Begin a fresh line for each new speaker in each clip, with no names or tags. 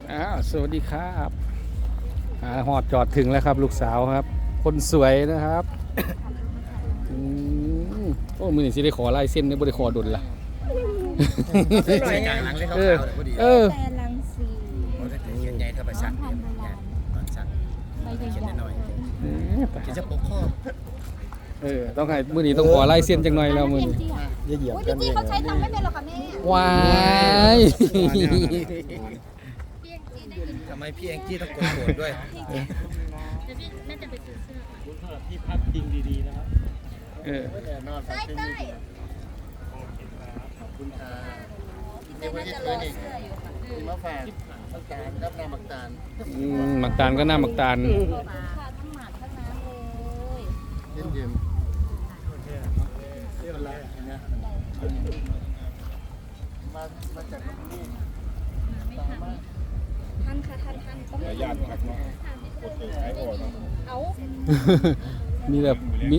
สวัสดีครับหอดจอดถึงแล้วครับลูกสาวครับคนสวยนะครับโอ้มือนี่สิได้ขอลายเส้นได้บ่ได้ขอดุลละ
ใส่กลางหลังเลยเขาขาวเลยพอดี
แต่ลังสี
เขาจะเขียนใหญ่ถ้าไปสั่งเนี่ยตอนสั่งเขียนน้อยๆเขียนจะปกข้อ
ต้องให้มือนี้ต้องขอลายเส้นจังหน่อยแล้วมือนี้
เหยียบกันพี่เขาใช้ทำไม่เป็นหรอกค่ะแม่
ว้าย
ทำไมพี่แองจี้ต้องโกรธด้วย
เดี๋ยวพี่แม่จะไปซื้อเสื้อ
ที่พักจริงดีๆนะครับ
ได้
ขอบคุณค่ะ
พี่แม่จะรอเสื้ออยู่ค่ะ
มะฝากมักตาลรับน้ำมักตาล
หมักตาลก็น่าหมักตาล
ค่ะทั้งหมากทั้งน้ำเลย
เย็นเที่ยวอะไรนะมาจากที่
ท่านค่ะท่านต้อง
ญาติพักเนาะโอเคใช้บ่อเนาะ
เอา
มีแต่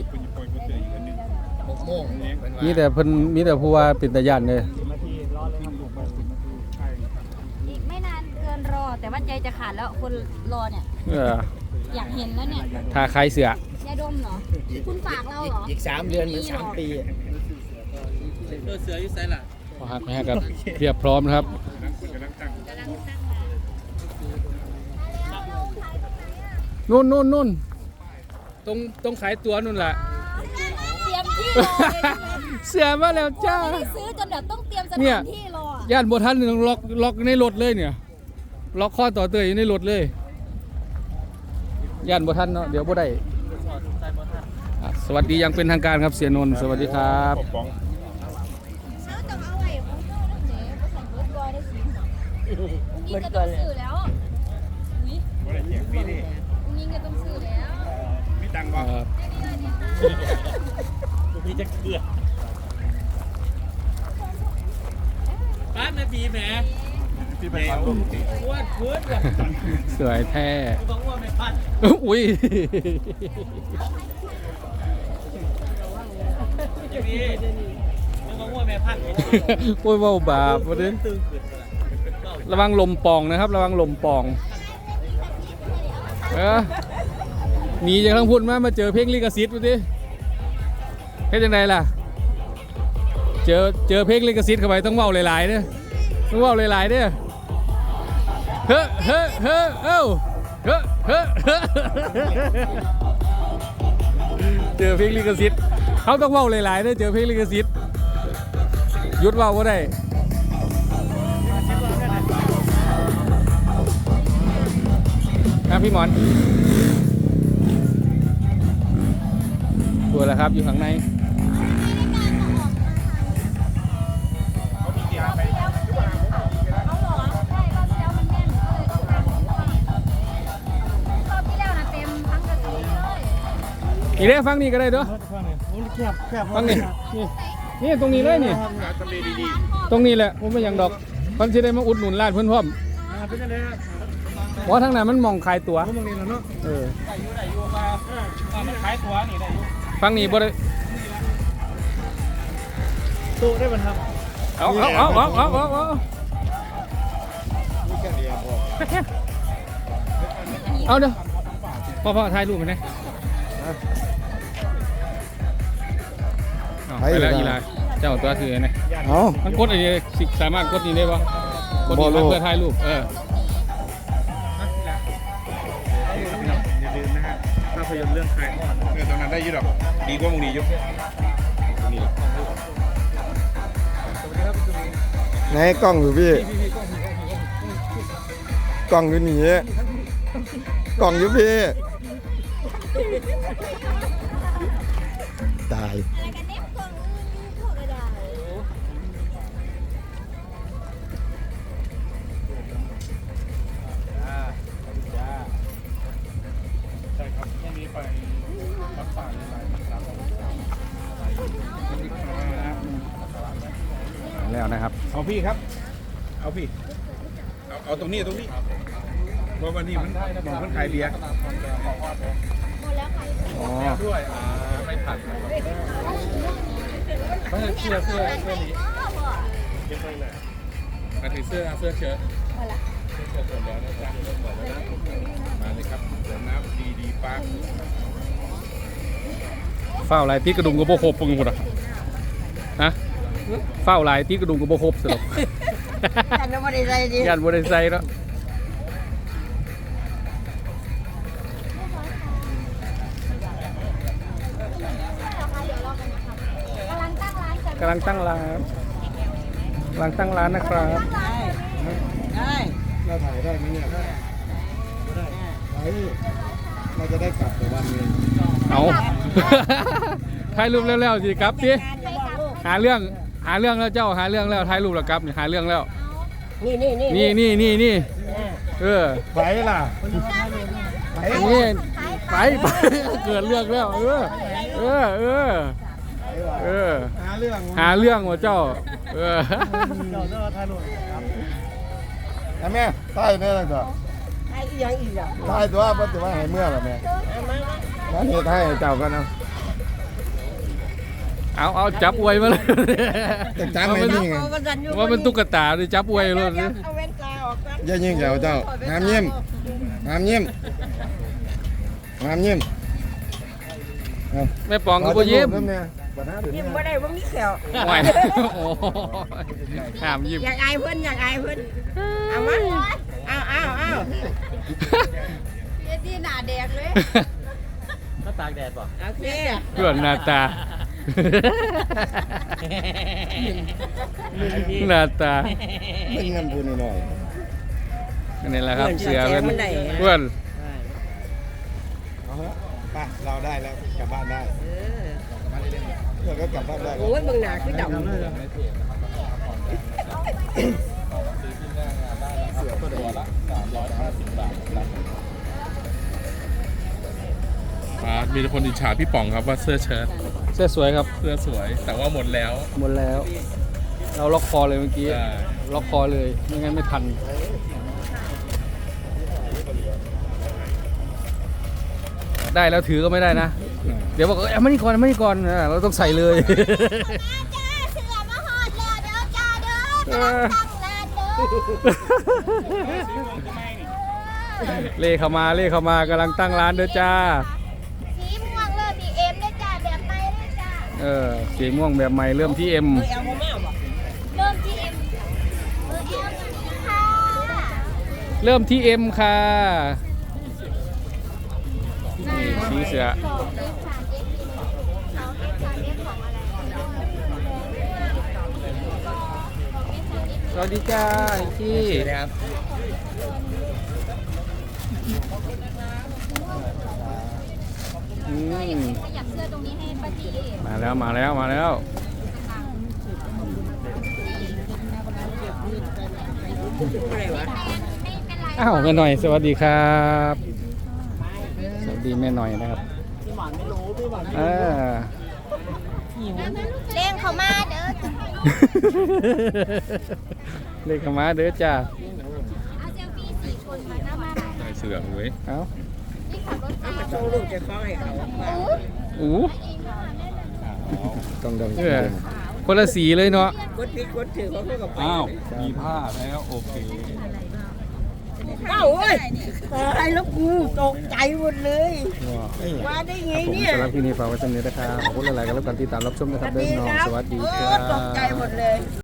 6 โมง
มีแต่เพิ่นมีแต่ผู้ว่าเป็นตาญาติเลย
10 นาทีรอเลยครับผมไป10 นาทีใช่
อีกไม่นานเกินรอแต่ว่าใจจะขาดแล้วคนรอเนี่ยอยากเห็นแล้วเนี่ย
ทาคล้ายเสือย
าดมเหรอคุณฝากเราเหรอ
อีก3 เดือนเหมือน3 ปี
เสืออยู่ไซล่ะ
พอหักไหมครับเรียบพร้อมนะครับนู่นตรงขายตัวนู่นแหละ
เตรียมที่รอเลย
เสือมาแล้วจ้า
ไม่ได้ซื้อจนแบบต้องเตรียมสถานที่ร
อย่านบทันต้องล็อกในรถเลยเนี่ยล็อกข้อต่อเตยอยู่ในรถเลยย่านบทันเนาะเดี๋ยวบ่ได้สวัสดียังเป็นทางการครับเสียนนท์สวัสดีครับ
เงินก่อนเลยแล้วมีเงินต้องซื้อแล้ว
มีตังค์ป่ะมีจะเกลือป้านาบีแหมพี่ไปพันลูกอ้วนพื้น
สวยแท้
ต้องอ้วนไม่พัน
อุ้ย
อย่างนี้ต้องอ้วนไม่พัน
โอ้ยว่าบาปวันนี้ระวังลมปองนะครับระวังลมปองหนีจากทั้งพุ่นมาเจอเพลงลิขสิทธิ์ดูดิเฮ็ดยังไงล่ะเจอเพลงลิขสิทธิ์เข้าไปต้องเว้าหลายๆเด้อต้องเว้าหลายๆเด้อเฮ้เจอเพลงลิขสิทธิ์เขาต้องเว้าหลายๆเด้อเจอเพลงลิขสิทธิ์หยุดเว้าบ่ได้ครับพี่หมอนตัวแล้วครับอยู่ข้างในอีกได้ฟังนี่ก็ได้ด้วยฟังนี่ตรงนี้เลยนี่ตรงนี้แหละผมไม่ยังดอกมันจะได้มาอุดหนุนร้านเพื่อนพ่อมเพราะทั้งนั้นมันมองขายตั๋วได้อยู่มามันขายตั๋วนี่ได้อยู่ฟังนี่บ่ได้
ตู้ได้บันทับ
เอาเด้อพ่อถ่ายรูปมันนะไปแล้วอีลาเจ้าตัวคือไงมันกดอะไรสามารถกดนี่ได้ปะกดนี่เพื่อถ่ายรูป
ภาพยนตร์เรื่องใครตอนนั้นได้ยุดหรอดีกว่ามึงดียุบ
ไหนกล้องอยู่พี่กล้องอยู่นี่กล้องอยู่พี่ตาย
แล้วนะครับ
เอาพี่ครับเอาพี่เอาตรงนี้เพราะวันนี้มันมองคนขายเบียร์ด้วยไม่ผัดเขาจะเสื้อนี้เก็บไปเลยมาถือเสื้อเชิ้ตเสื้อเชิ้ตแล้ว
เฝ้าลายตีกระดุมกับโบครบปึงหมดอ่ะฮะเฝ้าลายตีกระดุมกับโบครบสรุป
กันบ่ได้ใจดิ
ยันบริไซแล้ว
กำลังตั้งร้านกัน
กำลังตั้งร้านนะครับ
ได้
เราถ่ายได้ไหมเนี่ยถ่ายเราจะได้กลับไปบ้านเอง
เอา ถ่ายรูปแล้วสิครับดิหาเรื่องแล้วเจ้าหาเรื่องแล้วถ่ายรูปแล้วครับนี่หาเรื่องแล้ว นี่เออ
ไปล่ะ
นี่ไป เกิดเรื่องแล้วเออ
หาเรื่อง
หาเรื่องว่าเจ้าเออ
แม่ใต้เนี่ยเลยก็
ไอ้อีหยังอีกอ่ะ
ใต้ตัวเพิ่นจะว่าให้เมื่อล่ะแม่นั่นเฮ็ดให้เจ้ากันเอา
จับอวยมาเลย
จังๆไม่นี่ไง
ว่าเป็นตุ๊กตาเลยจับอวยเลย
เอาเว้นตาออกกัน
อย่ายิงเจ้าห้ามยิ้มเอา
แม่ปองก็บ่ยิ้ม
ยิ้มบ่ได้บ่มีแขว
ไหวโอ้ห้ามยิ้ม
อยากอายเพิ่นเอามาเอา
เดี๋ยวที่หน้าแดกเลย
โอเค
เพื่อนหน้าตา หน้าตา
เป็นเงินพูนหน่อย
นี่แหละครับเสือเพื่อน
เอาฮะไปเราได้แล้วกลับบ้านได้เราก็กลับบ้านได้
โอ้ยเบิ่งหน้าคือดำ
เสือตัวเดียวละ350 บาท
มีคนอิจฉาพี่ป๋องครับว่าเสื้อเชิ้ต
เสื้อสวยครับ
เสื้อสวย แต่ว่าหมดแล้ว
หมดแล้ว เราล็อกคอเลยเมื่อกี้
ใช่
ล็อกคอเลยไม่งั้นไม่ทันได้แล้วถือก็ไม่ได้นะ เดี๋ยวบอกเอามานี่ก่อนเราต้องใส่เลย
จ้าเสือมาหอดแล้วเด้อจ้าเด้อกำลังตั้งร้านเด้อ
เล่เข้ามากำลังตั้งร้านเด้อจ้า
สีม่วงเริ่มที่เอ็มได้จ้าแบบใหม่ได้จ้า
สีม่วงแบบใหม่เริ่มที่เอ็ม
เอาบ่มาบ่
เริ่มที่เอ็มค่ะ
เริ่มที่เอ็มค่ะนี่สีเสือ
2 F 3 F 2 F 3 F ของอะไร
สวัสดีจ้าพี่
ครับ
อืม
ขยับเสื้อตรงนี้ให้ป้าจี
มาแล้ว
อะไรวะ
ไม่เป็นไร
อ้าวแม่หน่อยสวัสดีครับ สวัสดีแม่หน่อยนะครับอ่า
เล่งเขามาเด้อ
เลขมาเด้อจ้า
เอาเซลฟี่4 คนมาหน้าบ้าน
ใส่เสื้อเว้ย
เอ้า
นี่ขับรถมา
ส่งลูกจะฟ้องให้เขา
อู้
ต้องดำ
คนละสีเลยเนาะ
กดผิดกดถือเขาเข้ากับไป
อ้าว มีผ้าแล้วโอเค
เอ้าเว้ยตายแล้วกูตกใจหมดเลยว่าได้ไง
ผม
เนี่ย
สำหรับที่นี่ฝากไว้ตรงนี้นะครับขอบคุณหลายๆกันแล้วกันที่ตามรับชมนะครับเด้อน้องสวัสดีค
โอ้
รับ
ตกใจหมดเลย